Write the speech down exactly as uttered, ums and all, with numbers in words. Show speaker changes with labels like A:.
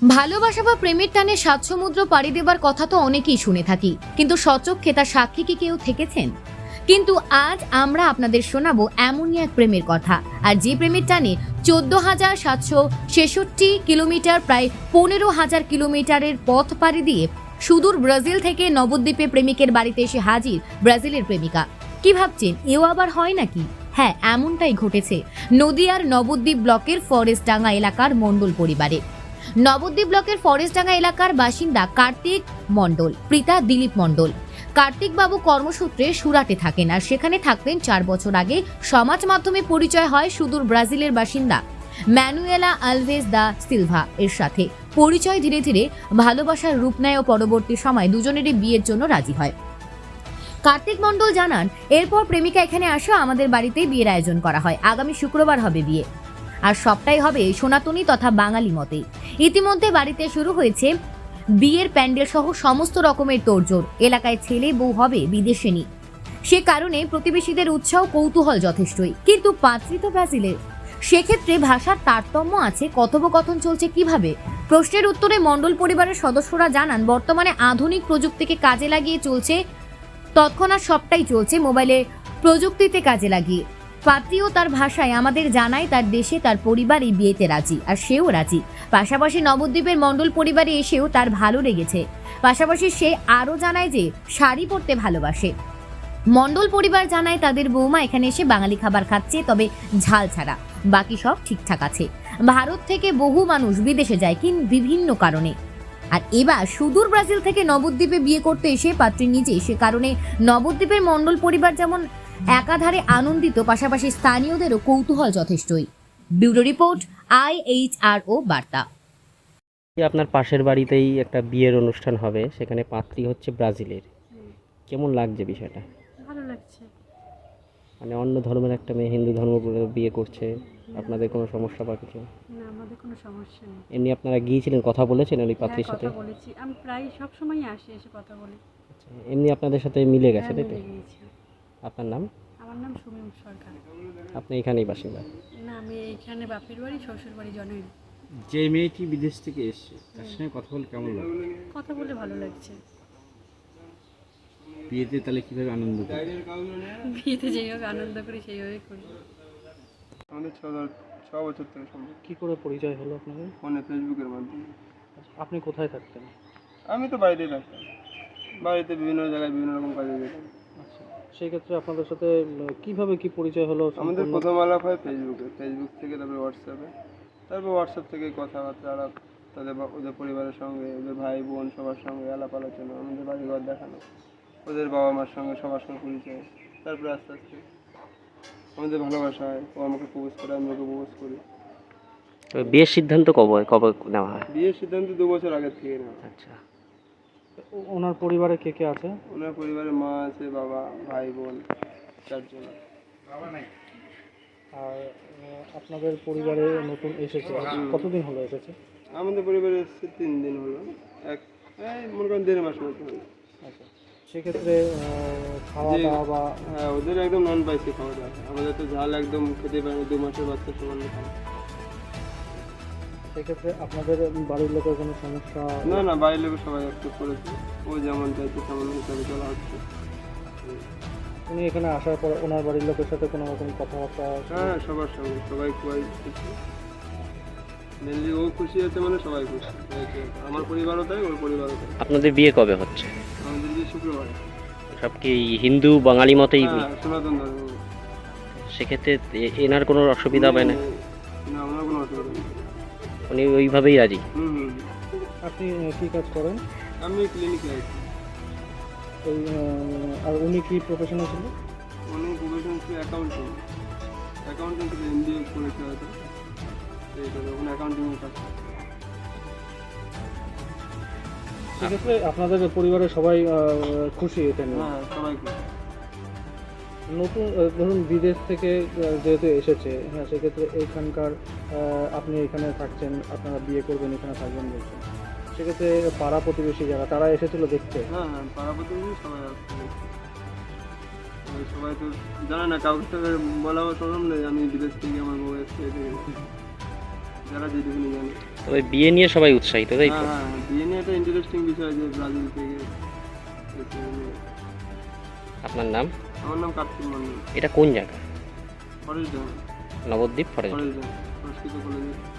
A: ভালোবাসা বা প্রেমের টানে সাত সমুদ্র পাড়ি দেবার কথা তো অনেকেই শুনে থাকি, কিন্তু সচক্ষে তার সাক্ষী কি কেউ থেকেছেন? কিন্তু আজ আমরা আপনাদের শোনাবো এমনই এক প্রেমের কথা, আর যে প্রেমের টানে চোদ্দ হাজার সাতশো ছেষট্টি কিলোমিটার, প্রায় পনেরো হাজার কিলোমিটারের পথ পাড়ি দিয়ে সুদূর ব্রাজিল থেকে নবদ্বীপে প্রেমিকের বাড়িতে এসে হাজির ব্রাজিলের প্রেমিকা। কি ভাবছেন, এও আবার হয় নাকি? হ্যাঁ, এমনটাই ঘটেছে নদিয়ার নবদ্বীপ ব্লকের ফরেস্টডাঙ্গা এলাকার মণ্ডল পরিবারে। নবদ্বীপ ব্লকের ফরেস্টডাঙ্গা এলাকার বাসিন্দা কার্তিক মণ্ডল, পিতা দিলীপ মণ্ডল। কার্তিক বাবু কর্মসূত্রে সুরাটে থাকেন, আর সেখানে থাকতেন চার বছর আগে সমাজ মাধ্যমে পরিচয় হয় সুদূর ব্রাজিলের বাসিন্দা ম্যানুয়েলা আলভেজ দা সিলভা এর সাথে। পরিচয় ধীরে ধীরে ভালোবাসার রূপ নেয় ও পরবর্তী সময় দুজনেরই বিয়ের জন্য রাজি হয়। কার্তিক মণ্ডল জানান, এরপর প্রেমিকা এখানে আসা আমাদের বাড়িতেই বিয়ের আয়োজন করা হয়। আগামী শুক্রবার হবে বিয়ে, আর সবটাই হবে সনাতনী তথা বাঙালি মতে। ইতিমধ্যে বাড়িতে শুরু হয়েছে বিয়ের প্যান্ডেল সহ সমস্ত রকমের তোড়জোড়। এলাকায় ছেলে বউ হবে বিদেশিনী, সে কারণে প্রতিবেশীদের উৎসাহ কৌতূহল যথেষ্টই। কিন্তু পাত্রী তো ব্রাজিলের, সেক্ষেত্রে ভাষার তারতম্য আছে। কথোপকথন চলছে কিভাবে? প্রশ্নের উত্তরে মণ্ডল পরিবারের সদস্যরা জানান, বর্তমানে আধুনিক প্রযুক্তিকে কাজে লাগিয়ে চলছে, তৎক্ষণাৎ সবটাই চলছে মোবাইলে প্রযুক্তিতে কাজে লাগিয়ে। পাত্রীও তার ভাষায় আমাদের জানায় তার দেশে তার পরিবার এই বিয়েতে রাজি, আর সেও রাজি। পাশাপাশি নবদ্বীপের মণ্ডল পরিবারে এসেও তার ভালো লেগেছে। পাশাপাশি সে আরও জানায় যে শাড়ি পরতে ভালোবাসে। মণ্ডল পরিবার জানায় তাদের বৌমা এখানে এসে বাঙালি খাবার খাচ্ছে, তবে ঝাল ছাড়া। বাকি সব ঠিকঠাক আছে। ভারত থেকে বহু মানুষ বিদেশে যায় কিন্তু বিভিন্ন কারণে, আর এবার সুদূর ব্রাজিল থেকে নবদ্বীপে বিয়ে করতে এসে পাত্রী নিজে, সে কারণে নবদ্বীপের মণ্ডল পরিবার যেমন একাধারে আনন্দিত, পাশাপাশি স্থানীয়দেরও কৌতূহল যথেষ্টই। Bureau report, I H R O বার্তা।
B: আপনার পাশের বাড়িতেই একটা বিয়ের অনুষ্ঠান হবে, সেখানে পাত্রী হচ্ছে ব্রাজিলের। কেমন লাগছে বিষয়টা?
C: ভালো লাগছে।
B: মানে অন্য ধর্মের একটা মেয়ে হিন্দু ধর্ম বলে বিয়ে করছে, আপনাদের কোনো সমস্যা বা কিছু?
C: না, আমাদের কোনো সমস্যা নেই।
B: এমনি আপনারা গিয়েছিলেন, কথা বলেছেন ওই পাত্রীর
C: হ্যাঁ,
B: সাথে?
C: কথা বলেছি, আমি প্রায় সব সময় আসি, এসে কথা বলি।
B: আচ্ছা, এমনি আপনাদের সাথে মিলে গেছে,
C: হ্যাঁ,
B: তাই তো?
C: মিলে গিয়েছি।
B: আপনার নাম?
C: আমার নাম সুমিম সরকার।
B: আপনি এখানেই বাসিন্দা?
C: না, আমি এইখানে বাপের বাড়ি, শ্বশুর বাড়ি জনই।
D: যে মেয়েটি বিদেশ থেকে এসেছে তার সঙ্গে কথা বলে কেমন লাগলো?
C: কথা বলে ভালো লাগছে।
D: বিয়েতে তাহলে কিভাবে আনন্দ করে?
C: বিয়েতে যেইভাবে আনন্দ করি সেইভাবেই করি।
E: আমাদের ছ ছ বছর থেকে সম্ভব।
B: কি করে পরিচয় হলো আপনাদের?
E: ফোনে ফেসবুকের মাধ্যমে।
B: আপনি কোথায় থাকতেন?
E: আমি তো বাড়িতেই থাকতাম, বাড়িতে বিভিন্ন জায়গায় বিভিন্ন রকম কাজে যেতাম।
B: আচ্ছা, সেই ক্ষেত্রে আপনাদের সাথে কিভাবে কি পরিচয় হলো?
E: আমাদের প্রথম আলাপ হয় ফেসবুকে, ফেসবুক থেকে তারপরে হোয়াটসঅ্যাপে, তারপর হোয়াটসঅ্যাপ থেকে কথাবার্তা আলাপ, তাদের বা- ওদের পরিবারের সঙ্গে, ওদের ভাই বোন সবার সঙ্গে আলাপ আলোচনা, আমাদের বাড়িঘর দেখানো, ওদের বাবা মার সঙ্গে সবার সঙ্গে পরিচয়। তারপরে আস্তে আস্তে আমাদের ভালোবাসা হয়, ও আমাকে প্রপোজ করে, আমি ওকে প্রপোজ করি।
B: বিয়ের সিদ্ধান্ত কবে কবে নেওয়া হয়?
E: বিয়ের সিদ্ধান্ত দু বছর আগের থেকে নেওয়া।
B: আচ্ছা, ওনার পরিবারে কে কে আছে?
E: ওনার পরিবারে মা আছে, বাবা, ভাই বোন, চারজন।
B: আর আপনাদের পরিবারে নতুন এসেছে, কতদিন হলো এসেছে?
E: আমাদের পরিবারে এসেছে তিন দিন হলো, এক এই মনে করেন দেড় মাস মতো হলো।
B: আচ্ছা, সেক্ষেত্রে খাওয়া
E: যে-
B: দাওয়া বা
E: হ্যাঁ, ওদের একদম নন স্পাইসি খাওয়া দাওয়া, আমাদের তো ঝাল একদম খেতে পারে না, দু মাসের বাচ্চা সামান্য খাওয়া।
B: সেক্ষেত্রে আপনাদের বাড়ির লোকের কোনো সমস্যা?
E: না না, বাড়ির লোক সবাই একটু করেছে, ও যেমন চাইছে তেমন হিসাবে চলা হচ্ছে।
B: উনি এখানে আসার পর ওনার বাড়ির লোকের সাথে কোনো রকম কথাবার্তা?
E: হ্যাঁ, সবার সঙ্গে সবাই খুবই খুশি। মেনলি ও খুশি আছে মানে সবাই খুশি। আমার পরিবারও তাই, ওর পরিবারও তাই।
B: আপনাদের বিয়ে কবে হচ্ছে?
E: আমাদের যে শুক্রবার।
B: সব কি হিন্দু বাঙালি মতেই?
E: হ্যাঁ, সনাতন ধর্ম।
B: সেক্ষেত্রে এ- এনার কোনো অসুবিধা হবে না?
E: না, আমার কোনো অসুবিধা নেই।
B: উনি ওইভাবেই রাজি?
E: হুম হুম।
B: আপনি কি কাজ করেন?
E: আমি ক্লিনিকে আছি।
B: ওই আর উনি কি প্রফেশনাল ছিল?
E: উনি প্রফেশন ছিল অ্যাকাউন্টিং, অ্যাকাউন্টিং থেকে এম বি এ করেছে হয়তো, সেই জন্য ওখানে অ্যাকাউন্টিংয়ে কাজ করে।
B: সেক্ষেত্রে আপনাদের পরিবারের সবাই খুশি এটা নিয়ে?
E: হ্যাঁ, সবাই খুশি।
B: নতুন ধরুন বিদেশ থেকে যেহেতু এসেছে, হ্যাঁ, সেক্ষেত্রে এখানকার আপনি এখানে থাকছেন, আপনারা বিয়ে করবেন, এখানে থাকবেন বলছেন, সেক্ষেত্রে পাড়া প্রতিবেশী যারা তারা এসেছিল দেখতে?
E: হ্যাঁ হ্যাঁ, পাড়া প্রতিবেশী সবাই আসছে। ওই সবাই তো জানে না, কাউকে তো বলা সম্ভব নেই আমি বিদেশ থেকে আমার বউ এসছে, যারা যেটুকুনি জানে।
F: তবে বিয়ে নিয়ে সবাই উৎসাহিত, তাই তো?
E: হ্যাঁ হ্যাঁ হ্যাঁ, বিয়ে নিয়ে একটা ইন্টারেস্টিং বিষয় যে ব্রাজিল থেকে এটা নিয়ে।
F: আপনার নাম?
E: আমার নাম কার্তিক মন্ডল,
F: এটা কোন জায়গা?
E: Forest
F: Nabadwip forest.
E: Forest Sanskrit কলেজে